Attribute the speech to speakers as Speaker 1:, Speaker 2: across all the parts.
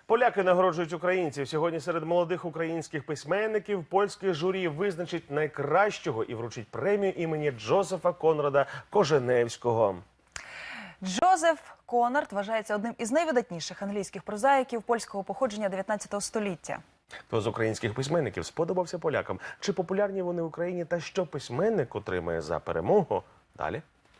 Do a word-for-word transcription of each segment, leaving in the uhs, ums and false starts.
Speaker 1: Поляки нагороджують українців. Сьогодні серед молодих українських письменників польське журі визначить найкращого і вручить премію імені Джозефа Конрада Коженевського.
Speaker 2: Джозеф Конрад вважається одним із найвидатніших англійських прозаїків польського походження дев'ятнадцятого століття.
Speaker 1: Хто з українських письменників сподобався полякам? Чи популярні вони в Україні? Та що письменник отримає за перемогу? Далі.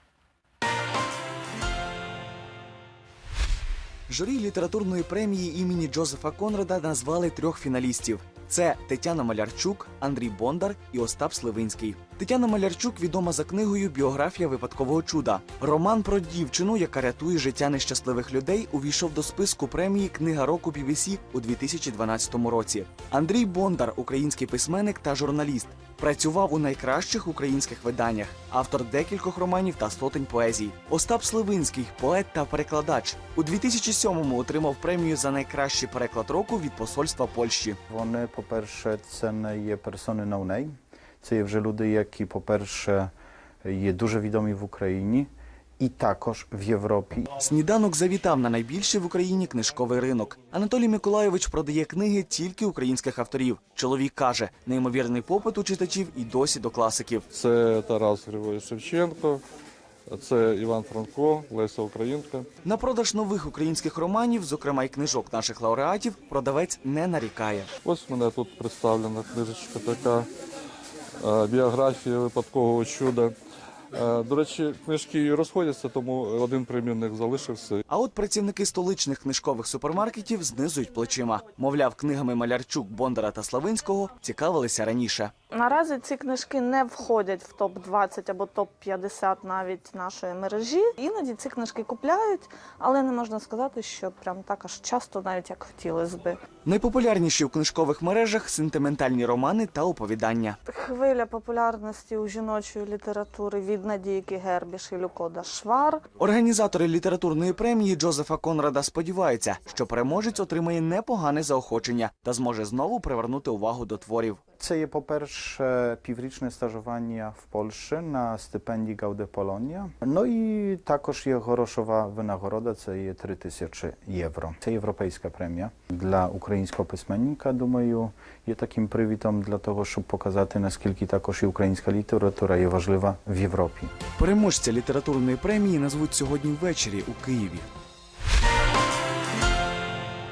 Speaker 3: Журі літературної премії імені Джозефа Конрада назвали трьох фіналістів. Це Тетяна Малярчук, Андрій Бондар і Остап Сливинський. Тетяна Малярчук відома за книгою «Біографія випадкового чуда». Роман про дівчину, яка рятує життя нещасливих людей, увійшов до списку премії «Книга року бі бі сі» у дві тисячі дванадцятому році. Андрій Бондар – український письменник та журналіст. Працював у найкращих українських виданнях, автор декількох романів та сотень поезій. Остап Сливинський – поет та перекладач. У дві тисячі сьомому отримав премію за найкращий переклад року від посольства Польщі.
Speaker 4: Вони, по-перше, це не є персони no name. Це є вже люди, які, по-перше, є дуже відомі в Україні і також в Європі.
Speaker 3: Сніданок завітав на найбільший в Україні книжковий ринок. Анатолій Миколайович продає книги тільки українських авторів. Чоловік каже, неймовірний попит у читачів і досі до класиків.
Speaker 5: Це Тарас Григорович Шевченко, це Іван Франко, Леся Українка.
Speaker 3: На продаж нових українських романів, зокрема й книжок наших лауреатів, продавець не нарікає.
Speaker 5: Ось в мене тут представлена книжечка така, «Біографія випадкового чуда». До речі, книжки розходяться, тому один примірник залишився.
Speaker 3: А от працівники столичних книжкових супермаркетів знизують плечима. Мовляв, книгами Малярчук, Бондара та Славинського цікавилися раніше.
Speaker 6: Наразі ці книжки не входять в топ двадцять або топ п'ятдесят навіть нашої мережі. Іноді ці книжки купляють, але не можна сказати, що прям так аж часто, навіть як хотілося би.
Speaker 3: Найпопулярніші у книжкових мережах – сентиментальні романи та оповідання.
Speaker 6: Хвиля популярності у жіночої літератури від Надійки Гербіш і Люкода Швар.
Speaker 3: Організатори літературної премії Джозефа Конрада сподіваються, що переможець отримає непогане заохочення та зможе знову привернути увагу до творів.
Speaker 4: Це є, по-перше, піврічне стажування в Польщі на стипендії Гауде Полонія. Ну і також є грошова винагорода, це є три тисячі євро. Це європейська премія для українського письменника, думаю, є таким привітом для того, щоб показати, наскільки також і українська література є важлива в Європі.
Speaker 3: Переможця літературної премії назвуть сьогодні ввечері у Києві.